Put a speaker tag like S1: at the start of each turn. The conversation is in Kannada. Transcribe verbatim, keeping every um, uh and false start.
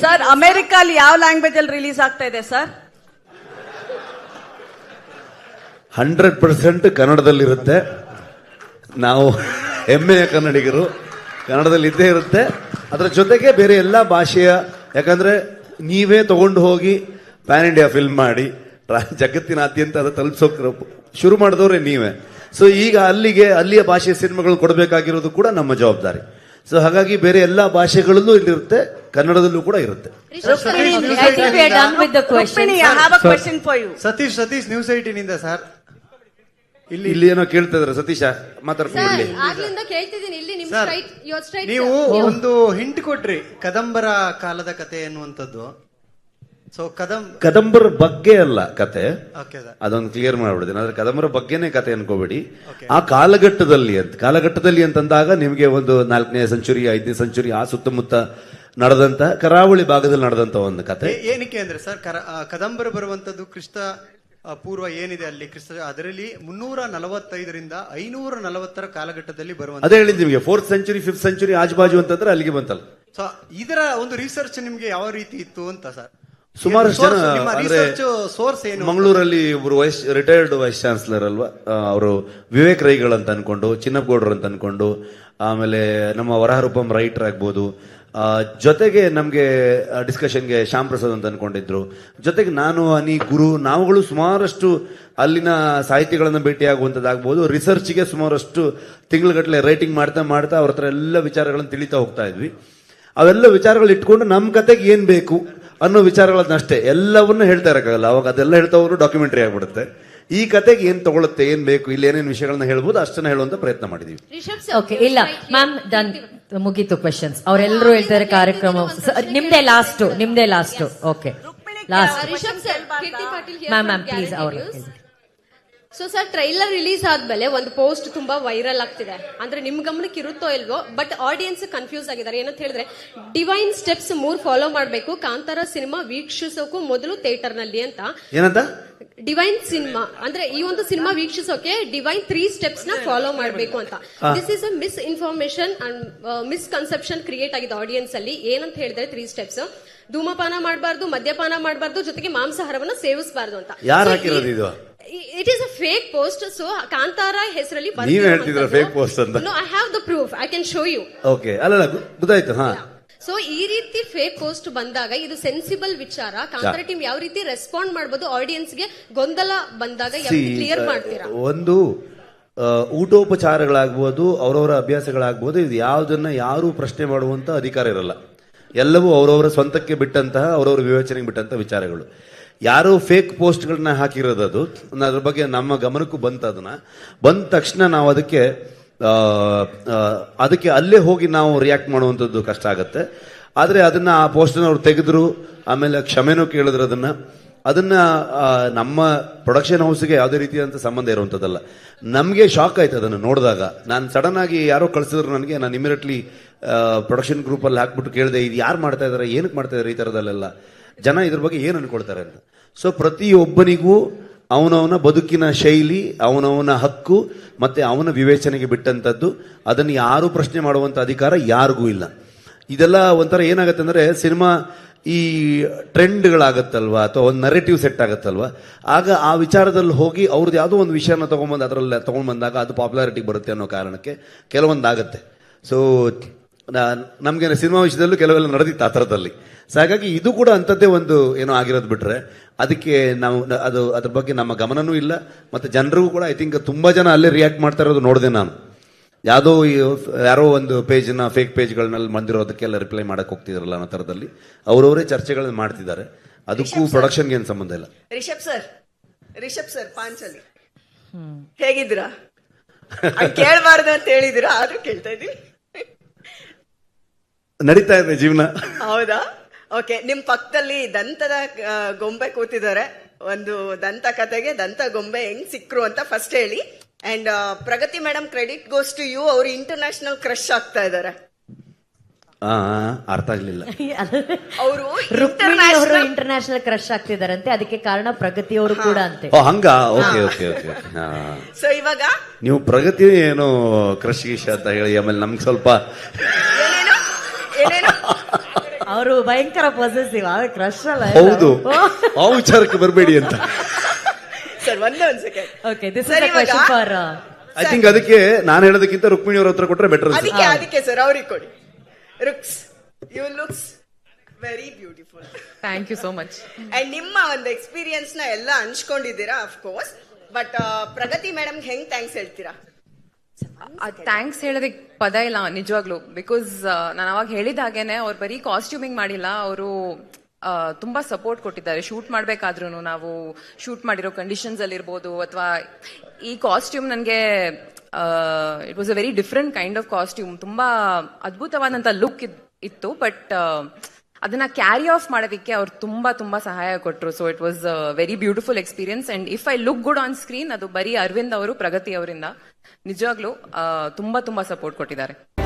S1: ಸರ್ ಅಮೆರಿಕಲ್ಲಿ ಯಾವ ಲ್ಯಾಂಗ್ವೇಜ್ ಅಲ್ಲಿ ರಿಲೀಸ್ ಆಗ್ತಾ ಇದೆ ಸರ್?
S2: Hundred percent ಕನ್ನಡದಲ್ಲಿರುತ್ತೆ. ನಾವು ಹೆಮ್ಮೆಯ ಕನ್ನಡಿಗರು, ಕನ್ನಡದಲ್ಲಿ ಇದ್ದೇ ಇರುತ್ತೆ. ಅದರ ಜೊತೆಗೆ ಬೇರೆ ಎಲ್ಲ ಭಾಷೆಯ, ಯಾಕಂದ್ರೆ ನೀವೇ ತಗೊಂಡು ಹೋಗಿ ಪ್ಯಾನ್ ಇಂಡಿಯಾ ಫಿಲ್ಮ್ ಮಾಡಿ ಜಗತ್ತಿನಾದ್ಯಂತ ಅದು ತಲುಪಿಸೋಕೆ ಶುರು ಮಾಡಿದವ್ರೆ ನೀವೇ. ಸೊ ಈಗ ಅಲ್ಲಿಗೆ ಅಲ್ಲಿಯ ಭಾಷೆಯ ಸಿನಿಮಾಗಳು ಕೊಡಬೇಕಾಗಿರೋದು ಕೂಡ ನಮ್ಮ ಜವಾಬ್ದಾರಿ. ಸೊ ಹಾಗಾಗಿ ಬೇರೆ ಎಲ್ಲಾ ಭಾಷೆಗಳಲ್ಲೂ ಇಲ್ಲಿರುತ್ತೆ, ಕನ್ನಡದಲ್ಲೂ ಕೂಡ ಇರುತ್ತೆ.
S3: ಸತೀಶ್ ಸತೀಶ್ ನ್ಯೂಸ್ ಏಟೀನಿಂದ ಸರ್,
S2: ಇಲ್ಲಿ ಇಲ್ಲಿ ಏನೋ ಕೇಳ್ತಾ ಇದಾರೆ. ಸತೀಶ ಮಾತಾಡ್ಕೊಂಡು
S3: ನೀವು ಒಂದು ಹಿಂಟ್ ಕೊಟ್ರಿ, ಕದಂಬರ ಕಾಲದ ಕತೆ ಎನ್ನುವಂಥದ್ದು. ಸೊ ಕದಂ
S2: ಕದಂಬರ ಬಗ್ಗೆ ಅಲ್ಲ ಕತೆ, ಅದೊಂದು ಕ್ಲಿಯರ್ ಮಾಡ್ಬಿಡ್ತೀನಿ. ಆದ್ರೆ ಕದಂಬರ ಬಗ್ಗೆನೇ ಕತೆ ಅನ್ಕೋಬೇಡಿ. ಆ ಕಾಲಘಟ್ಟದಲ್ಲಿ ಅಂತ ಕಾಲಘಟ್ಟದಲ್ಲಿ ಅಂತಂದಾಗ ನಿಮಗೆ ಒಂದು ನಾಲ್ಕನೇ ಸೆಂಚುರಿ, ಐದನೇ ಸೆಂಚುರಿ ಆ ಸುತ್ತಮುತ್ತ ನಡೆದಂತ, ಕರಾವಳಿ ಭಾಗದಲ್ಲಿ ನಡೆದಂತ ಒಂದು ಕತೆ.
S3: ಏನಕ್ಕೆ ಅಂದ್ರೆ ಸರ್, ಕದಂಬರ ಬರುವಂತದ್ದು ಕ್ರಿಸ್ತ ಪೂರ್ವ ಏನಿದೆ ಅಲ್ಲಿ ಕ್ರಿಸ್ತ, ಅದರಲ್ಲಿ ಮುನ್ನೂರ ನಲವತ್ತೈದರಿಂದ ಐನೂರ ನಲವತ್ತರ ಕಾಲಘಟ್ಟದಲ್ಲಿ ಬರುವಂತ.
S2: ಅದೇ ಹೇಳಿದ್ ನಿಮಗೆ ಫೋರ್ತ್ ಸೆಂಚುರಿ ಫಿಫ್ತ್ ಸೆಂಚುರಿ ಆಜುಬಾಜು ಅಂತಂದ್ರೆ ಅಲ್ಲಿಗೆ ಬಂತಲ್ಲ.
S3: ಸೊ ಇದರ ಒಂದು ರಿಸರ್ಚ್ ನಿಮ್ಗೆ ಯಾವ ರೀತಿ ಇತ್ತು ಅಂತ ಸರ್?
S2: ಸುಮಾರಷ್ಟು ಜನ ಅಂದ್ರೆ
S3: ಸೋರ್ಸ್ ಏನು?
S2: ಮಂಗಳೂರಲ್ಲಿ ಒಬ್ರು ವೈಸ್ ರಿಟೈರ್ಡ್ ವೈಸ್ ಚಾನ್ಸಲರ್ ಅಲ್ವಾ, ಅವರು ವಿವೇಕ್ ರೈಗಳು ಅಂತ ಅನ್ಕೊಂಡು, ಚಿನ್ನಪ್ಪಗೌಡರು ಅಂತ ಅನ್ಕೊಂಡು, ಆಮೇಲೆ ನಮ್ಮ ವರಹರೂಪಂ ರೈಟರ್ ಆಗ್ಬೋದು, ಜೊತೆಗೆ ನಮ್ಗೆ ಡಿಸ್ಕಷನ್ಗೆ ಶ್ಯಾಮ್ ಪ್ರಸಾದ್ ಅಂತ ಅನ್ಕೊಂಡಿದ್ರು, ಜೊತೆಗೆ ನಾನು ಅನಿ ಗುರು ನಾವುಗಳು ಸುಮಾರಷ್ಟು ಅಲ್ಲಿನ ಸಾಹಿತಿಗಳನ್ನ ಭೇಟಿಯಾಗುವಂತದ್ದಾಗ್ಬೋದು, ರಿಸರ್ಚ್ಗೆ ಸುಮಾರಷ್ಟು ತಿಂಗಳಗಟ್ಟಲೆ ರೈಟಿಂಗ್ ಮಾಡ್ತಾ ಮಾಡ್ತಾ ಅವ್ರ ಹತ್ರ ಎಲ್ಲ ವಿಚಾರಗಳನ್ನು ತಿಳಿತಾ ಹೋಗ್ತಾ ಇದ್ವಿ. ಅವೆಲ್ಲ ವಿಚಾರಗಳು ಇಟ್ಕೊಂಡು ನಮ್ಮ ಕತೆಗೆ ಏನ್ ಬೇಕು ಅನ್ನೋ ವಿಚಾರಗಳನ್ನ ಅಷ್ಟೇ, ಎಲ್ಲವನ್ನೂ ಹೇಳ್ತಾ ಇರಕ್ಕಾಗಲ್ಲ. ಅವಾಗ ಅದೆಲ್ಲ ಹೇಳ್ತಾ ಹೋದ್ರು ಡಾಕ್ಯುಮೆಂಟರಿ ಆಗ್ಬಿಡುತ್ತೆ. ಈ ಕತೆಗೆ ಏನ್ ತಗೊಳುತ್ತೆ, ಏನ್ ಬೇಕು, ಇಲ್ಲಿ ಏನೇನು ವಿಷಯಗಳನ್ನ ಹೇಳ್ಬೋದು ಅಷ್ಟನ್ನ ಹೇಳುವಂತ ಪ್ರಯತ್ನ ಮಾಡಿದೀವಿ.
S4: ಓಕೆ, ಇಲ್ಲ ಮ್ಯಾಮ್ ಡನ್, ಮುಗೀತು ಕ್ವೆಶನ್ಸ್. ಅವರೆಲ್ಲರೂ ಹೇಳ್ತಾರೆ ಕಾರ್ಯಕ್ರಮ ನಿಮ್ದೇ ಲಾಸ್ಟ್, ನಿಮ್ದೇ last. Okay last ma'am ma'am please ಅವರು.
S5: ಸೊ ಸರ್, ಟ್ರೈಲರ್ ರಿಲೀಸ್ ಆದ್ಮೇಲೆ ಒಂದು ಪೋಸ್ಟ್ ತುಂಬಾ ವೈರಲ್ ಆಗ್ತಿದೆ. ಅಂದ್ರೆ ನಿಮ್ ಗಮನಕ್ಕೆ ಇರುತ್ತೋ ಇಲ್ವೋ, ಬಟ್ ಆಡಿಯನ್ಸ್ ಕನ್ಫ್ಯೂಸ್ ಆಗಿದ್ದಾರೆ. ಏನಂತ ಹೇಳಿದ್ರೆ, ಡಿವೈನ್ ಸ್ಟೆಪ್ಸ್ ಮೂರ್ ಫಾಲೋ ಮಾಡಬೇಕು ಕಾಂತಾರ ಸಿನಿಮಾ ವೀಕ್ಷಿಸೋಕು ಮೊದಲು ಥಿಯೇಟರ್ ನಲ್ಲಿ ಅಂತ.
S2: ಏನಂತ
S5: ಡಿವೈನ್ ಸಿನಿಮಾ ಅಂದ್ರೆ ಈ ಒಂದು ಸಿನಿಮಾ ವೀಕ್ಷಿಸೋಕೆ ಡಿವೈನ್ ತ್ರೀ ಸ್ಟೆಪ್ಸ್ ನ ಫಾಲೋ ಮಾಡಬೇಕು ಅಂತ. This is a misinformation and misconception create ಆಗಿದೆ ಆಡಿಯನ್ಸ್ ಅಲ್ಲಿ. ಏನಂತ ಹೇಳಿದ್ರೆ, ತ್ರೀ ಸ್ಟೆಪ್ಸ್: ಧೂಮಪಾನ ಮಾಡಬಾರ್ದು, ಮದ್ಯಪಾನ ಮಾಡಬಾರ್ದು, ಜೊತೆಗೆ ಮಾಂಸಾಹಾರವನ್ನ ಸೇವಿಸಬಾರ್ದು ಅಂತ.
S2: ಯಾರು ಹಾಕಿರೋದು ಇದು?
S5: It is a fake post. So Kantara ಹೆಸರಲ್ಲಿ
S2: ನೀವ್ ಹೇಳ್ತಿದ್ರ ಫೇಕ್ ಪೋಸ್ಟ್ ಅಂತ?
S5: No, I have the proof, I can show you.
S2: Okay, ಅಲ್ಲ ಗೊತ್ತಾಯ್ತು. ಹಾ,
S5: ಸೊ ಈ ರೀತಿ ಫೇಕ್ ಪೋಸ್ಟ್ ಬಂದಾಗ ಇದು ಸೆನ್ಸಿಬಲ್ ವಿಚಾರ. ಕಾಂತಾರ ಟೀಮ್ ಯಾವ ರೀತಿ ರೆಸ್ಪಾಂಡ್ ಮಾಡಬಹುದು, ಆಡಿಯನ್ಸ್ ಗೆ ಗೊಂದಲ ಬಂದಾಗ ಯಾವ ರೀತಿ ಕ್ಲಿಯರ್ ಮಾಡ್ತೀರಾ?
S2: ಒಂದು ಊಟೋಪಚಾರಗಳಾಗ್ಬೋದು, ಅವರವರ ಅಭ್ಯಾಸಗಳಾಗ್ಬೋದು, ಇದು ಯಾವ್ದನ್ನ ಯಾರು ಪ್ರಶ್ನೆ ಮಾಡುವಂತ ಅಧಿಕಾರ ಇರಲ್ಲ. ಎಲ್ಲವೂ ಅವರವರ ಸ್ವಂತಕ್ಕೆ ಬಿಟ್ಟಂತಹ, ಅವರವರ ವಿವೇಚನೆಗೆ ಬಿಟ್ಟಂತಹ ವಿಚಾರಗಳು. ಯಾರು ಫೇಕ್ ಪೋಸ್ಟ್ಗಳನ್ನ ಹಾಕಿರೋದು, ಅದು ಅದ್ರ ಬಗ್ಗೆ ನಮ್ಮ ಗಮನಕ್ಕೂ ಬಂತ. ಅದನ್ನ ಬಂದ ತಕ್ಷಣ ನಾವು ಅದಕ್ಕೆ ಅದಕ್ಕೆ ಅಲ್ಲೇ ಹೋಗಿ ನಾವು ರಿಯಾಕ್ಟ್ ಮಾಡುವಂಥದ್ದು ಕಷ್ಟ ಆಗುತ್ತೆ. ಆದರೆ ಅದನ್ನ ಆ ಪೋಸ್ಟನ್ನು ಅವ್ರು ತೆಗೆದ್ರು, ಆಮೇಲೆ ಕ್ಷಮೆನೂ ಕೇಳಿದ್ರು. ಅದನ್ನ ಅದನ್ನ ನಮ್ಮ ಪ್ರೊಡಕ್ಷನ್ ಹೌಸ್ಗೆ ಯಾವುದೇ ರೀತಿಯಾದಂಥ ಸಂಬಂಧ ಇರುವಂಥದ್ದಲ್ಲ. ನಮಗೆ ಶಾಕ್ ಆಯ್ತು ಅದನ್ನು ನೋಡಿದಾಗ. ನಾನು ಸಡನ್ ಆಗಿ ಯಾರೋ ಕಳಿಸಿದ್ರು ನನಗೆ, ನಾನು ಇಮಿಡಿಯೇಟ್ಲಿ ಪ್ರೊಡಕ್ಷನ್ ಗ್ರೂಪಲ್ಲಿ ಹಾಕ್ಬಿಟ್ಟು ಕೇಳಿದೆ, ಇದು ಯಾರು ಮಾಡ್ತಾ ಇದಾರೆ, ಏನಕ್ಕೆ ಮಾಡ್ತಾ ಇದಾರೆ, ಈ ಥರದಲ್ಲೆಲ್ಲ ಜನ ಇದ್ರ ಬಗ್ಗೆ ಏನು ಅನ್ಕೊಳ್ತಾರೆ ಅಂತ. ಸೊ ಪ್ರತಿಯೊಬ್ಬನಿಗೂ ಅವನವನ ಬದುಕಿನ ಶೈಲಿ, ಅವನವನ ಹಕ್ಕು ಮತ್ತೆ ಅವನ ವಿವೇಚನೆಗೆ ಬಿಟ್ಟಂತದ್ದು. ಅದನ್ನು ಯಾರು ಪ್ರಶ್ನೆ ಮಾಡುವಂತ ಅಧಿಕಾರ ಯಾರಿಗೂ ಇಲ್ಲ. ಇದೆಲ್ಲ ಒಂಥರ ಏನಾಗುತ್ತೆ ಅಂದ್ರೆ, ಸಿನಿಮಾ ಈ ಟ್ರೆಂಡ್ಗಳಾಗತ್ತಲ್ವಾ, ಅಥವಾ ಒಂದು ನರೇಟಿವ್ ಸೆಟ್ ಆಗತ್ತಲ್ವಾ, ಆಗ ಆ ವಿಚಾರದಲ್ಲಿ ಹೋಗಿ ಅವ್ರದ್ದು ಯಾವುದೋ ಒಂದು ವಿಷಯನ ತಗೊಂಡ್ಬಂದು ಅದರಲ್ಲಿ ತಗೊಂಡ್ ಬಂದಾಗ ಅದು ಪಾಪ್ಯುಲಾರಿಟಿ ಬರುತ್ತೆ ಅನ್ನೋ ಕಾರಣಕ್ಕೆ ಕೆಲವೊಂದಾಗತ್ತೆ. ಸೊ ನಮ್ಗೆ ಸಿನಿಮಾ ವಿಷಯದಲ್ಲೂ ಕೆಲವೆಲ್ಲ ನಡೆದಿತ್ತು ಆ ಥರದಲ್ಲಿ. ಸೊ ಹಾಗಾಗಿ ಇದು ಕೂಡ ಅಂಥದ್ದೇ ಒಂದು ಏನೋ ಆಗಿರೋದು ಬಿಟ್ರೆ, ಅದಕ್ಕೆ ನಾವು ಅದು ಅದ್ರ ಬಗ್ಗೆ ನಮ್ಮ ಗಮನನೂ ಇಲ್ಲ. ಮತ್ತೆ ಜನರಿಗೂ ಕೂಡ ಐ ಥಿಂಕ್ ತುಂಬಾ ಜನ ಅಲ್ಲೇ ರಿಯಾಕ್ಟ್ ಮಾಡ್ತಾ ಇರೋದು ನೋಡಿದೆ ನಾನು. ಯಾವುದೋ ಯಾರೋ ಒಂದು ಪೇಜ್ನ ಫೇಕ್ ಪೇಜ್ಗಳನ್ನೆಲ್ಲ ಬಂದಿರೋದಕ್ಕೆಲ್ಲ ರಿಪ್ಲೈ ಮಾಡಕ್ ಹೋಗ್ತಿದ್ರಲ್ಲ ಅನ್ನೋ ಥರದಲ್ಲಿ ಅವರವರೇ ಚರ್ಚೆಗಳನ್ನ ಮಾಡ್ತಿದ್ದಾರೆ. ಅದಕ್ಕೂ ಪ್ರೊಡಕ್ಷನ್ಗೆ ಏನು ಸಂಬಂಧ ಇಲ್ಲ.
S1: ರಿಷಬ್ ಸರ್, ರಿಷಬ್ ಸರ್ ಪಾಂಚಲಿ ಹೇಗಿದ್ದೀರಾ? ಕೇಳಬಾರ್ದು ಅಂತ ಹೇಳಿದಿರಾ, ಆದ್ರೂ ಕೇಳ್ತಾ ಇದ್ದೀನಿ.
S2: ನಡೀತಾ ಇದೆ ಜೀವನ.
S1: ಹೌದಾ? ಓಕೆ, ನಿಮ್ ಪಕ್ಕದಲ್ಲಿ ದಂತದ ಗೊಂಬೆ ಕೂತಿದ್ದಾರೆ. ಒಂದು ದಂತ ಕತೆಗೆ ದಂತ ಗೊಂಬೆ ಹೆಂಗ್ ಸಿಕ್ರು ಅಂತ ಫಸ್ಟ್ ಹೇಳಿ. And Pragati madam, credit goes to you. ಅವರು ಇಂಟರ್ನ್ಯಾಷನಲ್ ಕ್ರಶ್ ಆಗ್ತಾ ಇದ್ದಾರೆ.
S2: ಅರ್ಥ ಆಗ್ಲಿಲ್ಲ.
S1: ಅವರು
S4: ಅವರು ಇಂಟರ್ನ್ಯಾಷನಲ್ ಕ್ರಶ್ ಆಗ್ತಿದಾರಂತೆ, ಅದಕ್ಕೆ ಕಾರಣ ಪ್ರಗತಿಯವರು ಕೂಡ ಅಂತೆ.
S2: ಹಂಗ? Okay okay okay.
S1: ಸೊ ಇವಾಗ
S2: ನೀವು ಪ್ರಗತಿ ಏನೋ ಕ್ರಶ್ ಗೀಶ ಅಂತ ಹೇಳಿ ಆಮೇಲೆ ನಮ್ಗೆ ಸ್ವಲ್ಪ
S1: ಏನೇನು ಏನೇನು
S4: ಅವರು ಭಯಂಕರ ಪೊಸೆಸಿವ್ ಕ್ರಶ್ ಅಲ್ಲ
S2: ಹೌದು ಆ ವಿಚಾರಕ್ಕೆ ಬರಬೇಡಿ ಅಂತ.
S1: ಸರ್ ಒಂದೇ ಒಂದ್ second.
S4: Okay this
S1: sir,
S4: is
S1: ಇವಾಗ-
S4: ಕ್ವೆಶ್ಚನ್ ಫಾರ್
S2: ಐ ಥಿಂಕ್ ಅದಕ್ಕೆ ನಾನು ಹೇಳೋದಕ್ಕಿಂತ ರುಕ್ಮಿಣಿ ಅವ್ರ ಹತ್ರ ಕೊಟ್ರೆ ಬೆಟರ್ ಅನ್ಸುತ್ತೆ.
S1: ಅದಕ್ಕೆ ಅದಕ್ಕೆ ಸರ್ ಅವ್ರಿಗೆ ಕೊಡಿ. ರುಕ್ಸ್, you looks very beautiful.
S6: Thank you so much.
S1: And ನಿಮ್ಮ ಒಂದು ಎಕ್ಸ್ಪೀರಿಯನ್ಸ್ ನ ಎಲ್ಲ ಹಂಚ್ಕೊಂಡಿದ್ದೀರಾ of course. But Pragathi madam ಹೆಂಗ್ ಥ್ಯಾಂಕ್ಸ್ ಹೇಳ್ತೀರಾ?
S6: ಥ್ಯಾಂಕ್ಸ್ ಹೇಳೋದಕ್ಕೆ ಪದ ಇಲ್ಲ ನಿಜವಾಗ್ಲು. ಬಿಕಾಸ್ ನಾನು ಅವಾಗ ಹೇಳಿದ ಹಾಗೇನೆ ಅವ್ರು ಬರೀ ಕಾಸ್ಟ್ಯೂಮಿಂಗ್ ಮಾಡಿಲ್ಲ, ಅವರು ತುಂಬಾ ಸಪೋರ್ಟ್ ಕೊಟ್ಟಿದ್ದಾರೆ. ಶೂಟ್ ಮಾಡ್ಬೇಕಾದ್ರೂ ನಾವು ಶೂಟ್ ಮಾಡಿರೋ ಕಂಡೀಷನ್ಸ್ ಅಲ್ಲಿ ಇರ್ಬೋದು, ಅಥವಾ ಈ ಕಾಸ್ಟ್ಯೂಮ್ ನನಗೆ it was a very different kind of costume. ತುಂಬಾ ಅದ್ಭುತವಾದಂತ ಲುಕ್ ಇತ್ತು, ಬಟ್ ಅದನ್ನ ಕ್ಯಾರಿ ಆಫ್ ಮಾಡೋದಕ್ಕೆ ಅವ್ರು ತುಂಬಾ ತುಂಬಾ ಸಹಾಯ ಕೊಟ್ಟರು. So it was very beautiful experience. And if I look good on screen, ಅದು ಬರೀ ಅರವಿಂದ್ ಅವರು, ಪ್ರಗತಿ ಅವರಿಂದ ನಿಜವಾಗ್ಲೂ ತುಂಬಾ ತುಂಬಾ ಸಪೋರ್ಟ್ ಕೊಟ್ಟಿದ್ದಾರೆ.